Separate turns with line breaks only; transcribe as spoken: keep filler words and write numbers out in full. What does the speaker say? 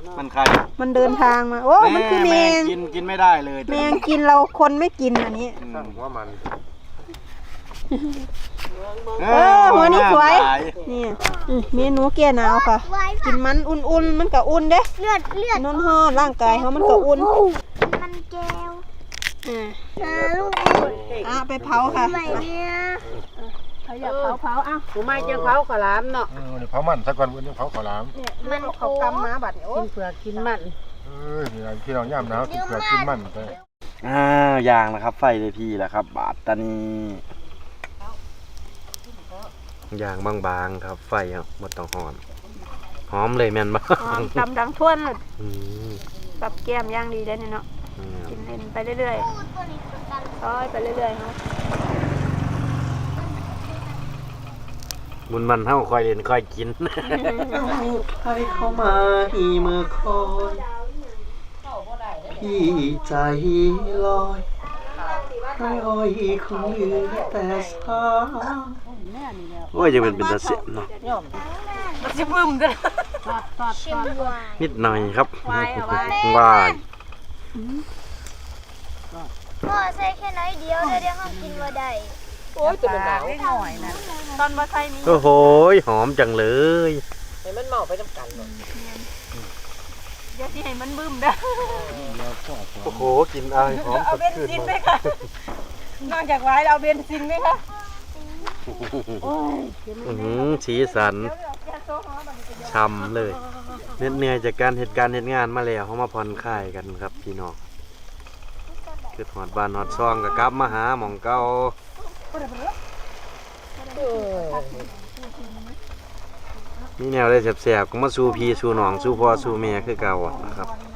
มันใคร
มันเดินทางมาโอ้มันคือแมง
กินกินไม่ได้เลย
แมงกินเราคนไม่กินอันนี้
สั่งว่ามัน
เออหัวนี้สวยนี่เมนูแก้หนาวค่ะกินมันอุ่นๆมันก็อุ่นเด้
เลือดเลือด
นอนห่อร่างกายเขามันก็อุ่น
มันแก้ว
อ่า
ลูก
อ่ะไปเผาค่ะ
ใหม่เนี่ย
เขาอยากเผาเผาอ่ะ
กูไม่จะเผาขลามเนาะ
เผามันสักวันวันนี้เผาขาวหลาม
มันเขากำมาบัดโอ้
กินเผือกกินมัน
เออพี่น้องย่ำหนาวกินเผือกกินมันไป
อ่าย่างนะครับไฟเลยพี่แหละครับบาดตานีย่างบางๆครับไฟครับหมดต้องหอมหอมเลยแม่นบ้าง
ดำดังท่วนปรับแก้มย่างดีได้เนาะกินเล่นไปเรื่อยๆร้อยไปเรื่อยๆเนาะ
บุญมันเท่าคอยเล่นคอยกินใครเข้ามาที่เมื่อคอยพี่ใจลอยให้อ้อยคงเหลือแต่สาวโอ้ยยังเป็นเป็นตาเสียนเนาะ
มันจะบึ้มด้วย
นิดหน่อยครับวาย
พ่อใส่แค่น้อยเดียวเดี๋ยวเขากินว่าได้
โอ้ยตัวหนาวหน่อยนะ
ตอนมาใส่มี
โอ้โหหอมจังเลย
ให้มันเมาไปน้ำกันเลย
เดี๋ยวที่ให้มันบึ้มเด้อ
โอ้โหกินอะไรหอมสดชื่นมาก
นอกจากไว้เราเบนซินไหมคะ
อือสีสันช่ำเลยเหนื่อยจากการเหตุการณ์เหตุงานมาแล้วเขามาผ่อนคลายกันครับพี่น้องคือหอดบานหอดซองกับกลับมาหาหม่องเก่ามีแนวได้แสบๆก็มาสู้พี่สู้น้องสู้พ่อสู้แม่คือเก่านะครับ